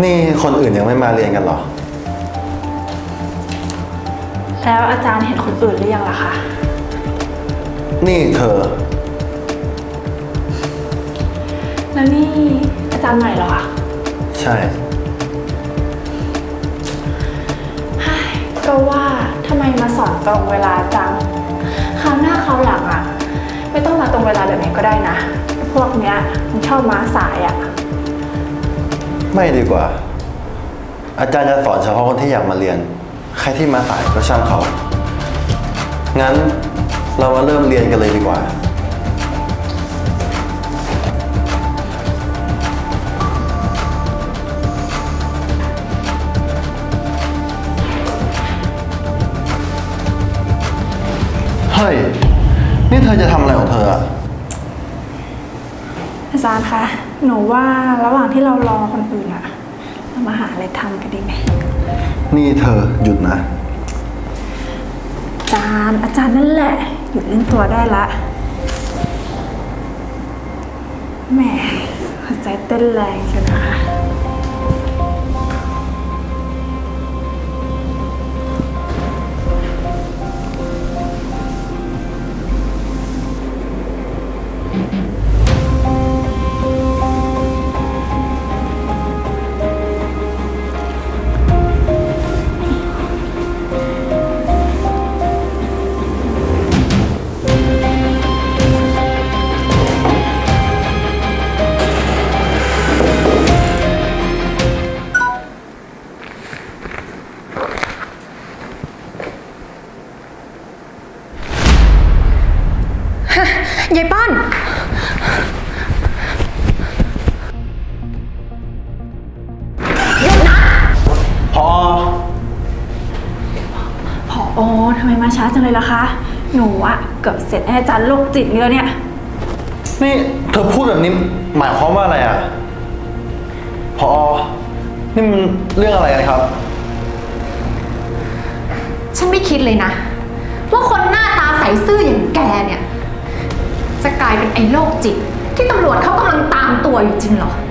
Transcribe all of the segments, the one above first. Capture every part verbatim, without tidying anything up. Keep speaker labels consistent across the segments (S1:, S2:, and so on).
S1: นี่คนอื่นยังไม่มาเรียนกันเหรอ
S2: แล้วอาจารย์เห็นคนอื่นหรือยังล่ะคะ
S1: นี่เธอ
S2: แล้วนี่อาจารย์ใหม่เหรอคะ
S1: ใช่
S2: ก็ว่าทำไมมาสอนตรงเวลาจังคราวหน้าคราวหลังอ่ะไม่ต้องมาตรงเวลาแบบนี้ก็ได้นะพวกเนี้ยมันชอบมาสายอ่ะ
S1: ไม่ดีกว่าอาจารย์จะสอนเฉพาะคนที่อยากมาเรียนใครที่มาสายก็ช่างเขางั้นเรามาเริ่มเรียนกันเลยดีกว่าเฮ้ยนี่เธอจะทำอะไรของเธออะ
S2: อาจารย์คะหนูว่าระหว่างที่เรารอคนอื่นอะเรามาหาอะไรทำกันดีไหม
S1: นี่เธอหยุดนะ
S2: อาจารย์อาจารย์นั่นแหละหยุดเล่นตัวได้ละแหมหัวใจเต้นแรงเชียวนะคะ
S3: ยายป้อนหยุดนะ
S1: พอ
S2: ผอทำไมมาช้าจังเลยล่ะคะหนูอะเกือบเสร็จอาจารย์โรคจิตนี่แล้วเนี่ย
S1: นี่เธอพูดแบบนี้หมายความว่าอะไรอ่ะพอนี่มันเรื่องอะไรกันครับ
S3: ฉันไม่คิดเลยนะว่าคนหน้าตาใสซื่ออย่างแกเนี่ยจะกลายเป็นไอ้โรคจิตที่ตำรวจเขากำลังตามตัวอยู่จริงเหรอ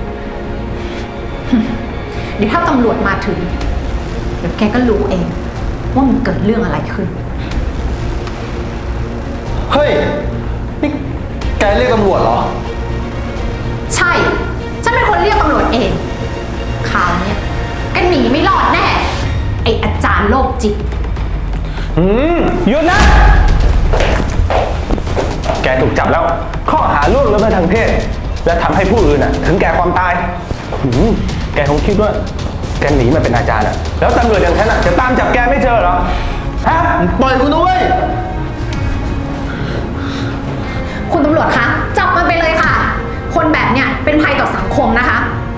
S3: เดี๋ยวถ้าตำรวจมาถึงเดี๋ยวแกก็รู้เองว่ามันเกิดเรื่องอะไรขึ้น
S1: เฮ้ยนี่แกเรียกตำรวจเหรอ
S3: ใช่ฉันเป็นคนเรียกตำรวจเองคราวนี้แกหนีไม่รอดแน่ไอ้อาจารย์โรคจิต
S4: อืมหยุดนะแกถูกจับแล้วข้อหาล่วงละเมิดทางเพศและทำให้ผู้อื่นน่ะถึงแก่ความตายแกคงคิดว่าแกหนีมาเป็นอาจารย์อ่ะแล้วตำรวจอย่างฉันอ่ะจะตามจับแกไม่เจอเหรอฮะ
S1: ปล่อยกูด้วย
S3: คุณตำรวจคะจับมันไปเลยค่ะคนแบบเนี้ยเป็นภัยต่อสังคมนะคะ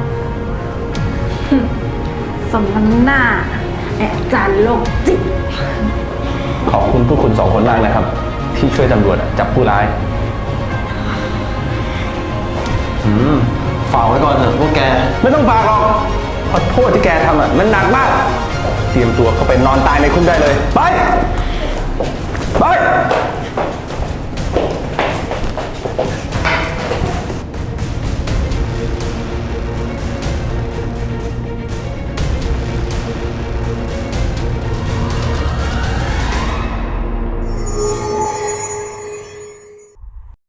S2: สมน้ำหน้าอาจารย์โรคจิต
S4: ขอบคุณพวกคุณสองคนมากนะครับที่ช่วยตำรวจจับผู้ร้าย
S1: อืมฝากไว้ก่อนเถอะพวกแก
S4: ไม่ต้องฝากหรอกเพราะโทษที่แกทำอ่ะมันหนักมากเตรียมตัวเข้าไปนอนตายในคุกได้เลยไปไป